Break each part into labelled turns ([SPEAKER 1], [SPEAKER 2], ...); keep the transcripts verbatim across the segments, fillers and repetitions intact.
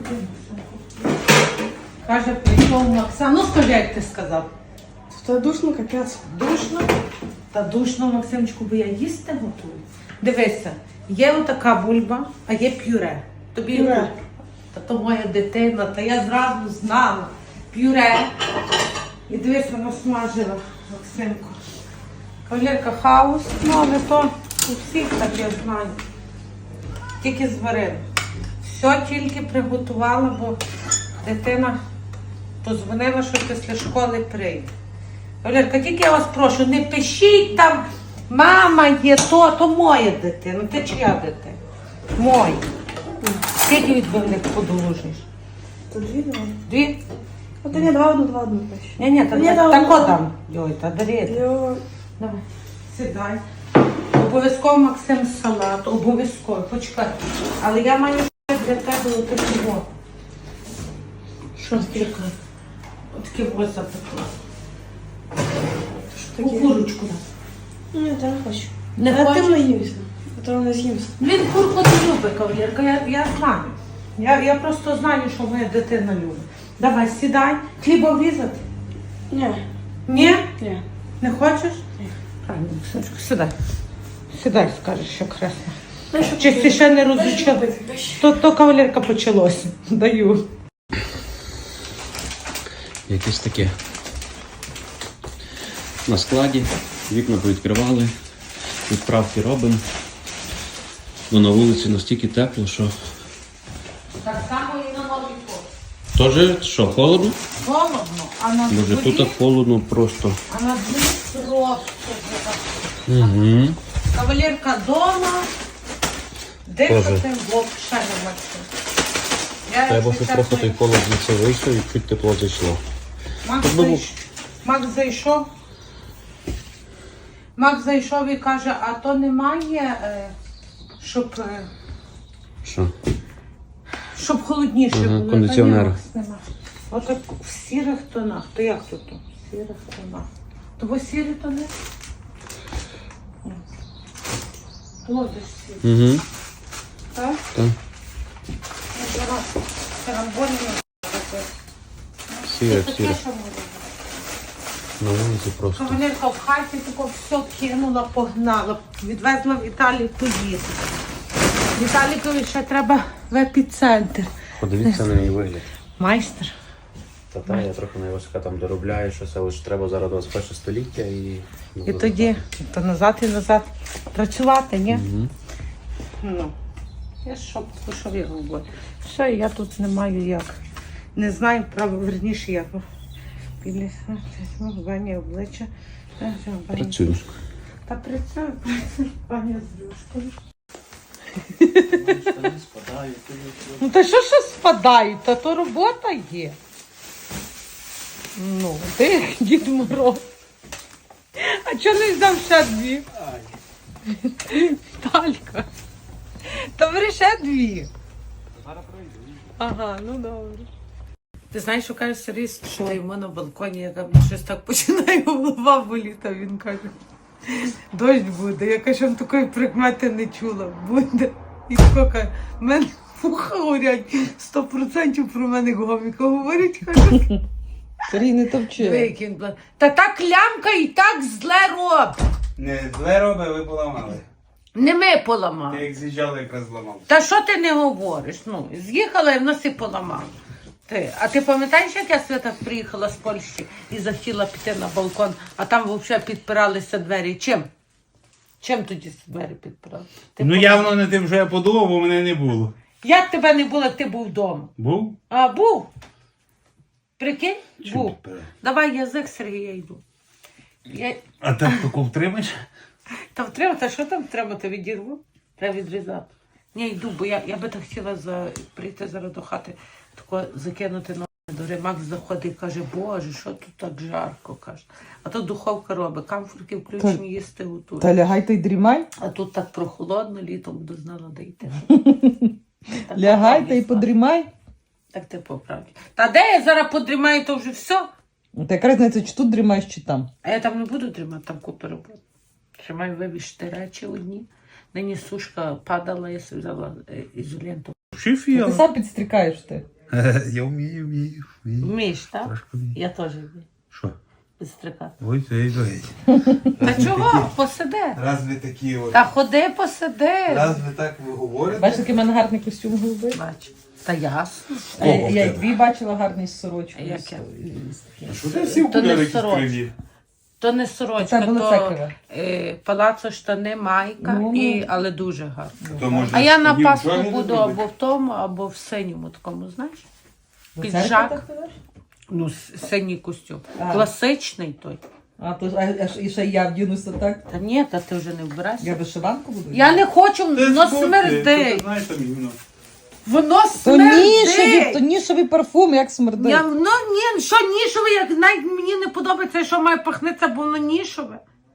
[SPEAKER 1] Каже, прийшов Максим. Ну скажи, як ти сказав.
[SPEAKER 2] Та душно, капець.
[SPEAKER 1] Душно? Та душно, Максимчику, бо я їсти готую. Дивися, є отака бульба, а є пюре. Тобі
[SPEAKER 2] Пюре.
[SPEAKER 1] Та то моя дитина, та я зразу знала. Пюре. І дивись, вона смажила, Максимку. Кавалерка хаос, ну але то у всіх так, я знаю. Тільки зварила. Все тільки приготувала, бо дитина позвонила, що після школи прийде. Валерка, тільки я вас прошу, не пишіть там, мама є то, то моя дитина. Ти чия дитина? Моя. Скільки від мене подолужиш?
[SPEAKER 2] Та дві давай.
[SPEAKER 1] Дві?
[SPEAKER 2] А то ні, два одну, два одну пише.
[SPEAKER 1] Ні, ні, та
[SPEAKER 2] Ні,
[SPEAKER 1] так
[SPEAKER 2] давай.
[SPEAKER 1] тако там. Йой, та дарити.
[SPEAKER 2] Йо.
[SPEAKER 1] Давай, сідай. Обов'язково, Максим, салат, обов'язково, почекай. Але я маю для тебе отаку. Що таке? Отаке ось запекла.
[SPEAKER 2] Що
[SPEAKER 1] У
[SPEAKER 2] таке?
[SPEAKER 1] курочку.
[SPEAKER 2] Ні, та не хочу.
[SPEAKER 1] Не
[SPEAKER 2] а
[SPEAKER 1] хочеш?
[SPEAKER 2] ти наївся. А то не з'їмся.
[SPEAKER 1] Він курку не любить, кавалерка, я, я знаю. Я, я просто знаю, що моя дитина любить. Давай, сідай. Хліба врізати?
[SPEAKER 2] Ні.
[SPEAKER 1] Ні?
[SPEAKER 2] Ні.
[SPEAKER 1] Не хочеш?
[SPEAKER 2] Ні.
[SPEAKER 1] Правильно, Максимчику, сідай. Сідай, скажеш, що красно.
[SPEAKER 2] Дай, що
[SPEAKER 1] Чи ти ще не
[SPEAKER 2] Дай, що
[SPEAKER 1] розучила?
[SPEAKER 2] купити, дай.
[SPEAKER 1] То, то кавалерка почалося. Даю.
[SPEAKER 3] Якесь таке. На складі, вікна повідкривали, відправки робимо. Ну, на вулиці настільки тепло, що...
[SPEAKER 1] Так само і на новий пол.
[SPEAKER 3] Тоже, що, холодно?
[SPEAKER 1] Холодно, а на
[SPEAKER 3] Може,
[SPEAKER 1] дворі,
[SPEAKER 3] тут холодно просто.
[SPEAKER 1] а на дворі просто.
[SPEAKER 3] Угу.
[SPEAKER 1] Кавалерка дома, дихати
[SPEAKER 3] Тоже.
[SPEAKER 1] взагалі не Максим. Я,
[SPEAKER 3] Треба,
[SPEAKER 1] якщо
[SPEAKER 3] щоб
[SPEAKER 1] чесно,
[SPEAKER 3] трохи той холод звідси вийшов і чуть тепло зайшло.
[SPEAKER 1] Макс,
[SPEAKER 3] Щоб було-
[SPEAKER 1] зайш... Макс зайшов. Макс зайшов і каже, а то немає, е, щоб, е,
[SPEAKER 3] Що?
[SPEAKER 1] щоб холодніше
[SPEAKER 3] Ага,
[SPEAKER 1] було.
[SPEAKER 3] кондиціонера.
[SPEAKER 1] Та ні, Макс, нема. Отак в сірих тонах. То як тут? В сірих тонах. Того сірі тони? Ні. Лодиш сірі.
[SPEAKER 3] Угу.
[SPEAKER 1] Так?
[SPEAKER 3] Так.
[SPEAKER 1] Ну, зараз карамбольні робити.
[SPEAKER 3] Сіре,
[SPEAKER 1] Таке,
[SPEAKER 3] сіре.
[SPEAKER 1] що може бути.
[SPEAKER 3] На вулиці просто.
[SPEAKER 1] Кавалерка в хаті тако все кинула, погнала. Відвезла в Італію поїсти. Віталікові ще треба в епіцентр.
[SPEAKER 3] Подивіться на її вигляд.
[SPEAKER 1] Майстер.
[SPEAKER 3] Та та, я трохи найважка там доробляю щось, але ж треба зараз двадцять перше століття і...
[SPEAKER 1] І тоді то назад і назад працювати, ні?
[SPEAKER 3] Угу.
[SPEAKER 1] Ну, я що, що я говорю. Все, я тут не маю як. Не знаю, право, верніше як. Білі бані обличчя.
[SPEAKER 3] Працюю.
[SPEAKER 1] Та працюю, працюю, пані з рюшкою. Ну та що що спадають? Та то робота є. Ну, ти Дід Мороз. А чого не взяв ще дві? Талька. Та бери ще дві. Ага, ну добре. Ти знаєш, що каже Сергій, що йому на балконі, яка щось так починає голова боліти, а він каже, дощ буде. Я кажу, що такої прикмети не чула. Буде. І тако каже, в мене вуха горять, сто відсотків про мене гоміка говорять. Каже,
[SPEAKER 2] Сергій, не товчи.
[SPEAKER 1] диви, який він бла- та та клямка і так зле робить.
[SPEAKER 4] Не зле робить, ви поламали.
[SPEAKER 1] Не ми поламали.
[SPEAKER 4] Ти як з'їжджали, якраз зламав.
[SPEAKER 1] Та що ти не говориш? Ну, з'їхала і в нас і поламала. Ти. А ти пам'ятаєш, як я Свята приїхала з Польщі і захотіла піти на балкон, а там взагалі підпиралися двері? Чим? Чим тоді двері підпирали? Ти
[SPEAKER 4] Ну
[SPEAKER 1] пам-
[SPEAKER 4] явно не тим, що я подумав, бо мене не було.
[SPEAKER 1] Як тебе не було, як ти був вдома?
[SPEAKER 4] Був?
[SPEAKER 1] А, був? Прикинь?
[SPEAKER 4] Чим
[SPEAKER 1] Був.
[SPEAKER 4] підпирали?
[SPEAKER 1] Давай язик, Сергія, йду. Я...
[SPEAKER 4] А так таку втримаєш?
[SPEAKER 1] Та втримати, та що там втримати, відірву? Треба відрізати. Ні, йду, бо я, я би так хотіла за... прийти зараз до хати, тако закинути ноги до Ремакс заходить і каже, боже, що тут так жарко, каже. А тут духовка робить, камфорки включені, їсти готують.
[SPEAKER 2] Та лягай та й дрімай.
[SPEAKER 1] А тут так прохолодно, літом буду знала, де йти. Так,
[SPEAKER 2] Лягай
[SPEAKER 1] по
[SPEAKER 2] та й
[SPEAKER 1] правді,
[SPEAKER 2] подрімай.
[SPEAKER 1] Так ти по правді. Та де я зараз подрімаю, то вже все.
[SPEAKER 2] Та яка різниця, чи тут дрімаєш, чи там.
[SPEAKER 1] А я там не буду тримати, там купи роботи. Ще маю вивішити речі одні. Нині сушка падала, я собі взяла е, ізоленту.
[SPEAKER 2] Ти
[SPEAKER 4] Шифіл.
[SPEAKER 2] сам підстрікаєш ти.
[SPEAKER 4] Я вмію, вмію, вмію.
[SPEAKER 1] Вмієш, так?
[SPEAKER 4] Трошки вмію.
[SPEAKER 1] Я теж вмію.
[SPEAKER 4] Що?
[SPEAKER 1] Підстрикати.
[SPEAKER 4] Ой, ой, ой.
[SPEAKER 1] Та чого? Посиди.
[SPEAKER 4] Раз ви такі от.
[SPEAKER 1] Та ходи, посиди.
[SPEAKER 4] Раз ви так ви говорите.
[SPEAKER 2] Бачиш, який в мене гарний костюм голубий?
[SPEAKER 1] Бач. Та ясно.
[SPEAKER 2] А я,
[SPEAKER 4] Кого в
[SPEAKER 2] я й
[SPEAKER 4] тебе?
[SPEAKER 2] дві бачила гарний з сорочкою.
[SPEAKER 1] Яке?
[SPEAKER 2] з- з таким.
[SPEAKER 4] А що ти всі
[SPEAKER 1] То не
[SPEAKER 4] окуляри якісь
[SPEAKER 1] сорочка.
[SPEAKER 4] криві?
[SPEAKER 1] То не сорочка,
[SPEAKER 2] Це було
[SPEAKER 1] то
[SPEAKER 2] цекаве.
[SPEAKER 1] е, палацо штани, майка,
[SPEAKER 2] Ну,
[SPEAKER 1] і,
[SPEAKER 2] ну.
[SPEAKER 1] але дуже гарно.
[SPEAKER 4] То, може,
[SPEAKER 1] А я на
[SPEAKER 4] тоді
[SPEAKER 1] Пасху
[SPEAKER 4] вчора не
[SPEAKER 1] буду
[SPEAKER 4] зробити?
[SPEAKER 1] або в тому, або в синьому такому, знаєш?
[SPEAKER 2] До
[SPEAKER 1] Піджак.
[SPEAKER 2] церкви так ходиш?
[SPEAKER 1] Ну, с- синій костюм.
[SPEAKER 2] А.
[SPEAKER 1] Класичний той.
[SPEAKER 2] А, то, ж- а, а ж- і ще я вдінуся так.
[SPEAKER 1] Та ні, та ти вже не вбираєшся.
[SPEAKER 2] Я вишиванку буду?
[SPEAKER 1] Я не хочу,
[SPEAKER 4] Ти
[SPEAKER 1] воно
[SPEAKER 4] збудьте,
[SPEAKER 1] смердить.
[SPEAKER 4] ти знаєш, там іменно.
[SPEAKER 1] Воно
[SPEAKER 2] То нішевий, то
[SPEAKER 1] смердить.
[SPEAKER 2] нішевий парфум, як смердить.
[SPEAKER 1] Я, ну ні, що нішове, як навіть мені не подобається, що має пахнеться, бо воно нішове.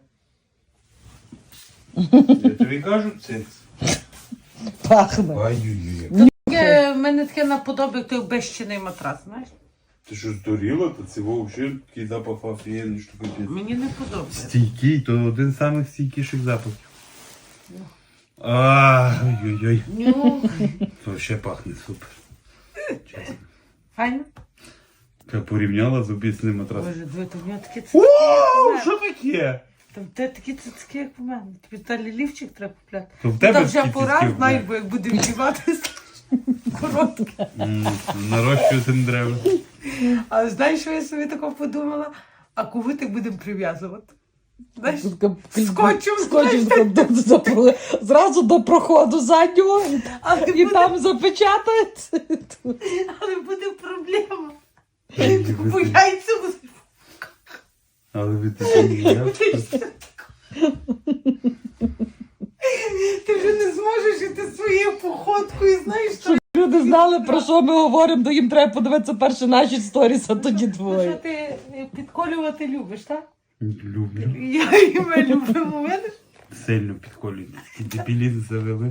[SPEAKER 4] Я тобі кажу, це.
[SPEAKER 2] Пахне.
[SPEAKER 4] Ай-ой-ой.
[SPEAKER 1] Таке, в мене таке наподобає той безчинний матрас, знаєш?
[SPEAKER 4] Ти що здуріла? То це взагалі такий запах офігенний, що капець.
[SPEAKER 1] Мені не подобається.
[SPEAKER 4] Стійкий, то один з самих стійкіших запахів. Ай-ой-ой.
[SPEAKER 1] Ну,
[SPEAKER 4] То ще пахне супер. Чесно.
[SPEAKER 1] файно.
[SPEAKER 4] Я порівняла з обіцяним матрасом.
[SPEAKER 1] Боже, диви, то в нього такі
[SPEAKER 4] О,
[SPEAKER 1] цицьки.
[SPEAKER 4] що таке?
[SPEAKER 1] Там те такі цицьки, як у мене. Тобі та лілівчик треба купляти.
[SPEAKER 4] То в
[SPEAKER 1] Ну,
[SPEAKER 4] тебе
[SPEAKER 1] та вже
[SPEAKER 4] такі
[SPEAKER 1] пора,
[SPEAKER 4] цицьки,
[SPEAKER 1] знай,
[SPEAKER 4] бля.
[SPEAKER 1] бо як буде вдіватися коротке.
[SPEAKER 4] М, Нарощувати не треба.
[SPEAKER 1] А знаєш, що я собі тако подумала? А кувитик будемо прив'язувати. Знаєш, скотчем,
[SPEAKER 2] Скотчем до, до, до, до, зразу до проходу заднього
[SPEAKER 1] але
[SPEAKER 2] і
[SPEAKER 1] буде,
[SPEAKER 2] там запечатають.
[SPEAKER 1] але буде проблема. Бо яйця будуть.
[SPEAKER 4] Але ви такі не
[SPEAKER 1] Ти вже не зможеш іти своєю походкою, знаєш, що,
[SPEAKER 2] Люди знали, про що ми говоримо, то їм треба подивитися перше наші сторіс, а тоді
[SPEAKER 1] що
[SPEAKER 2] твої.
[SPEAKER 1] ти підколювати любиш, так?
[SPEAKER 4] люблю.
[SPEAKER 1] Я і ми любимо, видиш?
[SPEAKER 4] Сильно підколюють. Дебілізм завели.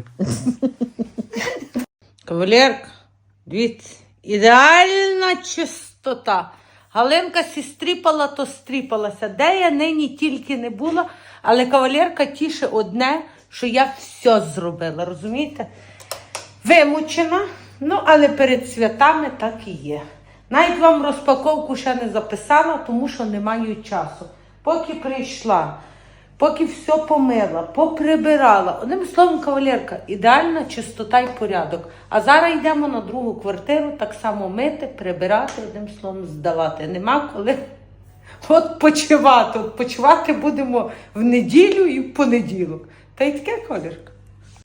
[SPEAKER 1] Кавалерка, дивіться, ідеальна чистота. Галинка сі стріпала, то стріпалася. Де я нині тільки не була, але кавалерка тіше одне, що я все зробила, розумієте? Вимучена, ну але перед святами так і є. Навіть вам розпаковку ще не записала, тому що не маю часу. Поки прийшла, поки все помила, поприбирала. Одним словом, кавалерка, ідеальна чистота і порядок. А зараз йдемо на другу квартиру, так само мити, прибирати, одним словом, здавати. Нема коли от почивати. От почивати будемо в неділю і в понеділок. Та й таке, кавалерка.